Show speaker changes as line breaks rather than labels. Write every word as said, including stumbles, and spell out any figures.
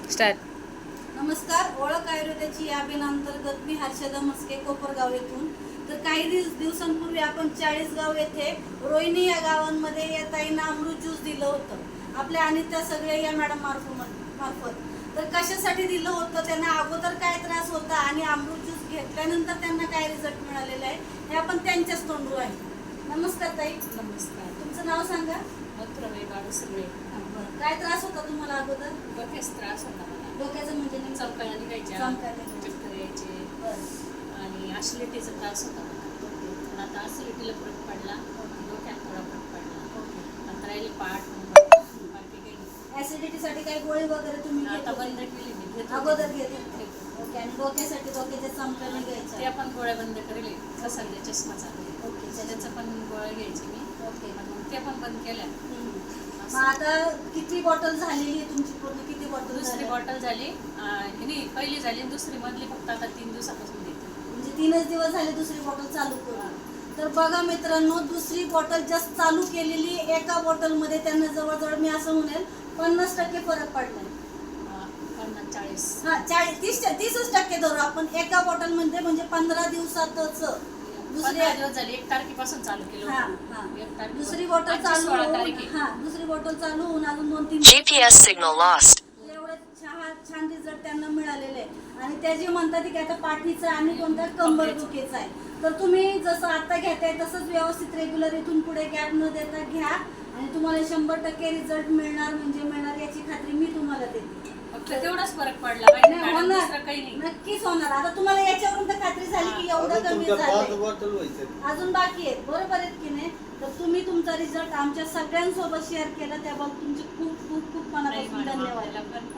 Start.
नमस्कार. ओळख आयुर्वेदाची या अभियानांतर्गत मी हर्षदा मस्के कोपरगाव येथून. तर काही दिवस दिवसांपूर्वी आपण चाळीसगाव येथे रोहिणी या गावांमध्ये या ताईंना अमृत ज्यूस दिलं होतं आपल्या आणि त्या सगळ्या या मॅडम मार्फत मार्फत तर कशासाठी दिलं होतं, त्यांना अगोदर काय त्रास होता आणि अमृत ज्यूस घेतल्यानंतर त्यांना काय रिझल्ट मिळालेला आहे हे आपण त्यांच्याच तोंडू आहे. नमस्कार ताई.
नमस्कार.
तुमचं नाव सांगा.
मथुराबाई बाळू सगळे.
काय त्रास होता तुम्हाला अगोदर?
डोक्याचा त्रास होता मला.
डोक्याचं म्हणजे नेमकं?
चमकायला निघायच्या,
चमकायला निघायच्या.
चक्कर यायचे आणि ऍसिडिटीचा त्रास होता मला. पण आता ऍसिडिटीला फरक पडला, डोक्यात थोडा फरक पडला. नंतर राहिली पाठ, बाकी काही
ऍसिडिटीसाठी काही गोळी वगैरे तुम्ही घेत
आता
होते?
बंद केली मी. घेत
अगोदर
होते.
घेत होते. ओके. आणि डोक्यासाठी डोक्याच्या चमकाने
ते
घ्यायच्या?
आपण गोळ्या बंद करेल. सध्या चष्मा चालू आहे.
ओके.
त्याचं पण गोळ्या घ्यायची मी.
ओके.
पण मग ते पण बंद केल्या.
हम्म. मग आता किती बॉटल झालेली आहे तुमची? पूर्ण किती बॉटल?
दुसरी बॉटल झाली, अं, नाही पहिली झाली, दुसरी मधली फक्त आता तीन दिवसापासून देते.
म्हणजे तीनच दिवस झाले दुसरी बॉटल चालू करून. तर बघा मित्रांनो, दुसरी बॉटल जस्ट चालू केलेली एका बॉटलमध्ये त्यांना जवळजवळ मी असं म्हणेल पन्नास टक्के फरक पडलाय.
पन्नास चाळीस
हा चाळीस तीस तीसच टक्के धरू आपण एका बॉटल मध्ये. म्हणजे पंधरा दिवसातच
पंधरा दिवस झाले. एक तारखेपासून चालू केलं
हा
होतं.
हा
एक तारखेपासून.
दुसरी बॉटल
आजची
चालू
सोळा
होऊन-
तारीख आहे.
हा दुसरी बॉटल चालू होऊन अजून दोन तीन
G P S signal lost.
एवढे छान छान रिझल्ट त्यांना मिळालेले आहे. आणि त्या जे म्हणतात की आता पाठीचा आणि कोणता कंबर दुखीचा आहे. तर तुम्ही जसं आता घेताय तसंच व्यवस्थित रेग्युलर इथून पुढे गॅप न देता घ्या आणि तुम्हाला शंभर टक्के रिझल्ट मिळणार म्हणजे मिळणार याची खात्री मी तुम्हाला देते.
फक्त तेवढाच फरक पडला पाहिजे
नाही,
मॅडम,
होणार.
दुसरं काही नाही.
नक्कीच होणार. आता तुम्हाला याच्यावरून तर खात्री झाली की एवढं कमी झालंय. अजून बाकी आहेत, बरोबर आहेत की नाही? तर तुम्ही तुमचा रिझल्ट आमच्या सगळ्यांसोबत शेअर केला त्याबद्दल तुमचे खूप खूप खूप
नाही
मनापासून
मॅडम,
धन्यवाद.
आपल्याला पण